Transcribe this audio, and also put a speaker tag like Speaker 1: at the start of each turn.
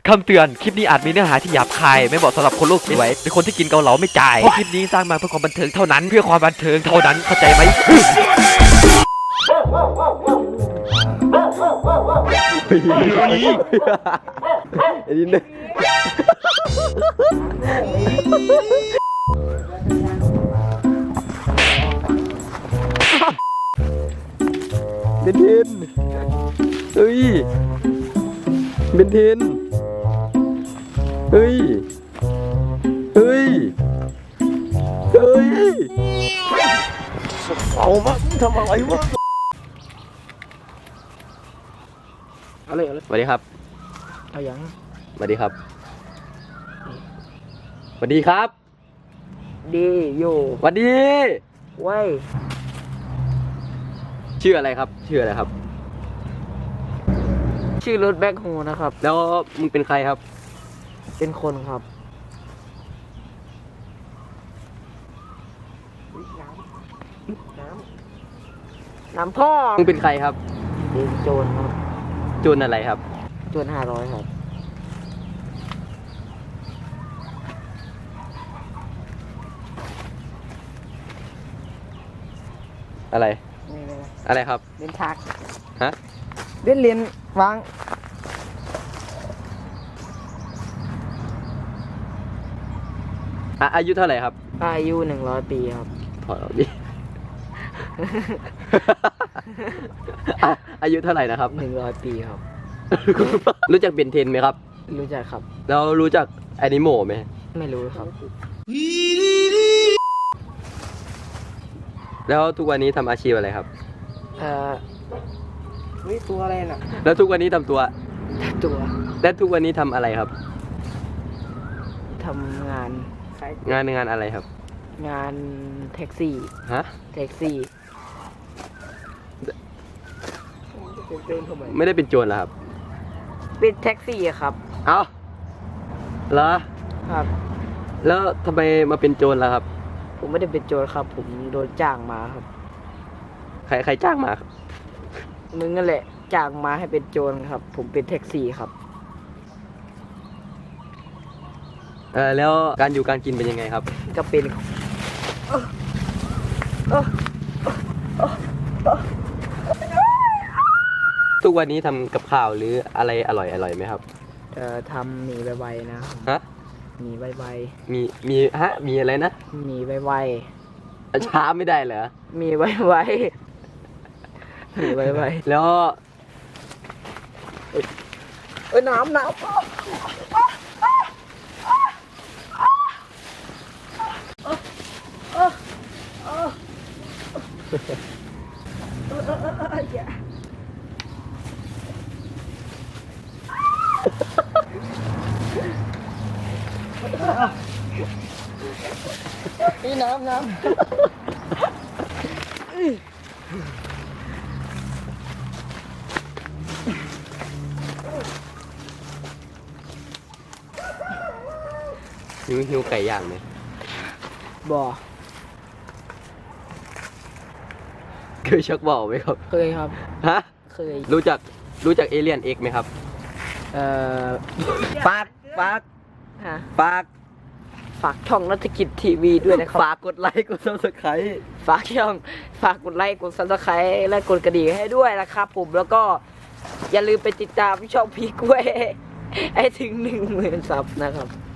Speaker 1: คำเตือนคลิปนี้อาจมีเนื้อหาที่หยาบคายไม่เหมาะสำหรับคนโลกสวยหรือคนที่กินเกาเหลาไม่จ่ายเพราะคลิปนี้สร้างมาเพื่อความบันเทิงเท่านั้นเพื่อความบันเทิงเท่านั้นเข้าใจไหมไอ้นี่เนี่ยเบนทินเฮ้ยเบนทินเฮ้ยเฮ้ยเฮ้ยเอามาทำอะไรวะอะไรสวัสดีครับ
Speaker 2: เอาอย่าง
Speaker 1: สวัสดีครับสวัสดีครับ
Speaker 2: ดีอยู่
Speaker 1: สวัสดี
Speaker 2: เว้ย
Speaker 1: ชื่ออะไรครับชื่ออะไรครับ
Speaker 2: ชื่อรถแบ็คโฮนะครับ
Speaker 1: แล้วมึงเป็นใครครับ
Speaker 2: เป็นคนครับน้ำพ่อ
Speaker 1: มึงเป็นใครครับ
Speaker 2: เป็นโจรครับ
Speaker 1: โจรอะไรครับ
Speaker 2: โจร500ครับ
Speaker 1: อะไรอะไรครับ
Speaker 2: เล่นทัก
Speaker 1: ฮะ
Speaker 2: เล่นเรียนวาง
Speaker 1: อายุเท่าไหร่ครับ
Speaker 2: อายุ100 ปีครับ
Speaker 1: ถอดออกดิ อายุเท่าไหร่นะครับ
Speaker 2: 100 ปีครับ
Speaker 1: รู้จักเบนเทนไหมครับ
Speaker 2: รู้จักครับ
Speaker 1: แล้วรู้จักแอนิโมไหม
Speaker 2: ไม่รู้ครับ
Speaker 1: แล้วทุกวันนี้ทำอาชีพอะไรครับ
Speaker 2: นี่ตัวอะไรน่ะ
Speaker 1: แล้วทุกวันนี้ทำตัว
Speaker 2: แล้ว
Speaker 1: ทุกวันนี้ทำอะไรครับ
Speaker 2: ทำงาน
Speaker 1: อะไรครับ
Speaker 2: งานแท็กซี่
Speaker 1: ฮะ
Speaker 2: แท็กซี่
Speaker 1: ไม่ได้เป็นโจรเหรอครับ
Speaker 2: เป็นแท็กซี่ครับ
Speaker 1: เอ้าเหรอ
Speaker 2: ครับ
Speaker 1: แล้วทำไมมาเป็นโจรล่ะครับ
Speaker 2: ผมไม่ได้เป็นโจรครับผมโดนจ้างมาครับ
Speaker 1: ใครจ้างมาครับ
Speaker 2: มึงนั่นแหละจ้างมาให้เป็นโจรครับผมเป็นแท็กซี่ครับ
Speaker 1: แล้วการอยู่การกินเป็นยังไงครับ
Speaker 2: ก็เป็น
Speaker 1: ทุกวันนี้ทำกับข้าวหรืออะไรอร่อยไหมครับ
Speaker 2: ทำหมี่ไวๆนะ
Speaker 1: ฮะ
Speaker 2: หมี่ไว
Speaker 1: ๆมีอะไรนะ
Speaker 2: หมี่ไว
Speaker 1: ๆช้าไม่ได้เหรอ
Speaker 2: หมี่ไวๆหมี่ไว
Speaker 1: ๆแล้ว
Speaker 2: น้ำนี่น้ำ
Speaker 1: หิวไก่ย่างไหม
Speaker 2: บ่
Speaker 1: เคยชักบอกไหมครับ
Speaker 2: เคยครับ
Speaker 1: ฮะ
Speaker 2: เคย
Speaker 1: รู้จักเอเลี่ยนเอ็กไหมครับฝาก
Speaker 2: ช่องนักกิจทีวีด้วยนะครับ
Speaker 1: ฝากกดไลค์กดซับสไครต์
Speaker 2: ฝากกดไลค์กดซับสไครต์และกดกระดิ่งให้ด้วยนะครับผมแล้วก็อย่าลืมไปติดตามช่องพีกล้วยให้ถึง10,000 ซับนะครับ